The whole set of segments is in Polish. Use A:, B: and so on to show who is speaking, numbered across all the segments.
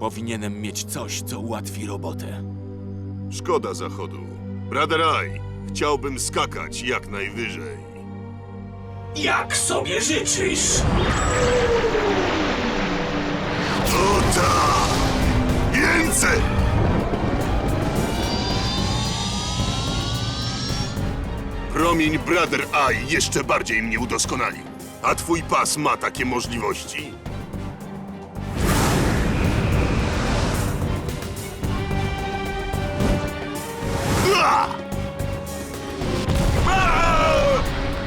A: Powinienem mieć coś, co ułatwi robotę.
B: Szkoda zachodu. Brother Eye, chciałbym skakać jak najwyżej.
C: Jak sobie życzysz?
B: O tak! Więcej! Promień Brother Eye jeszcze bardziej mnie udoskonalił. A twój pas ma takie możliwości? Ua! Aaa!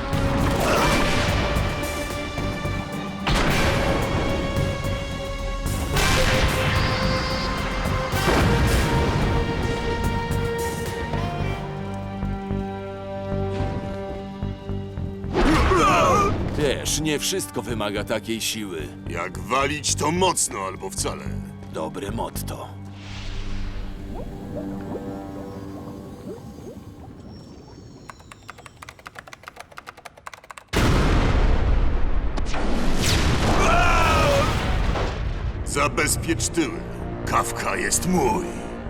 A: Wiesz, nie wszystko wymaga takiej siły.
B: Jak walić to mocno albo wcale.
A: Dobre motto.
B: Zabezpiecz tyły. Kawka jest mój.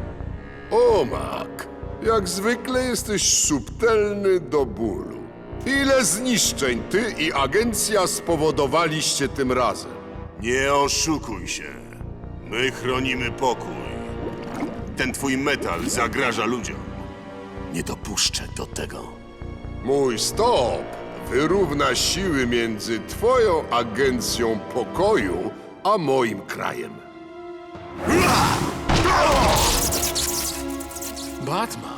D: Omak, jak zwykle jesteś subtelny do bólu. Ile zniszczeń ty i agencja spowodowaliście tym razem?
B: Nie oszukuj się. My chronimy pokój. Ten twój metal zagraża ludziom. Nie dopuszczę do tego.
D: Mój stop wyrówna siły między twoją agencją pokoju a moim krajem.
E: Batman.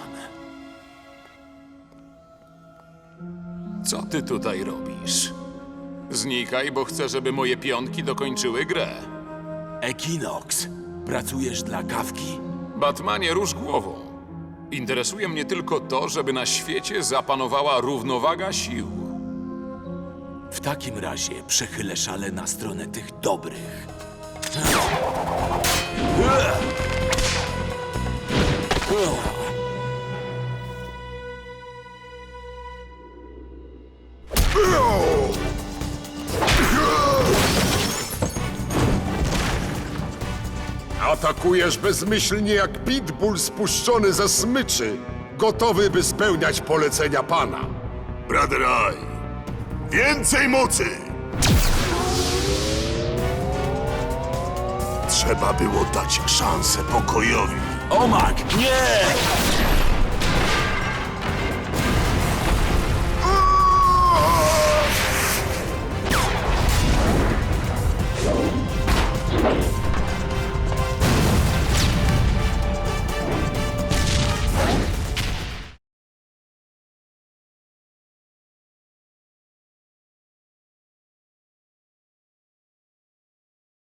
E: Co ty tutaj robisz? Znikaj, bo chcę, żeby moje pionki dokończyły grę.
A: Equinox, pracujesz dla Kawki?
E: Batmanie, rusz głową. Interesuje mnie tylko to, żeby na świecie zapanowała równowaga sił.
A: W takim razie przechylę szale na stronę tych dobrych.
D: Atakujesz bezmyślnie jak pitbull spuszczony ze smyczy, gotowy by spełniać polecenia pana.
B: Brother Eye, więcej mocy! Trzeba było dać szansę pokojowi.
A: Omak, nie!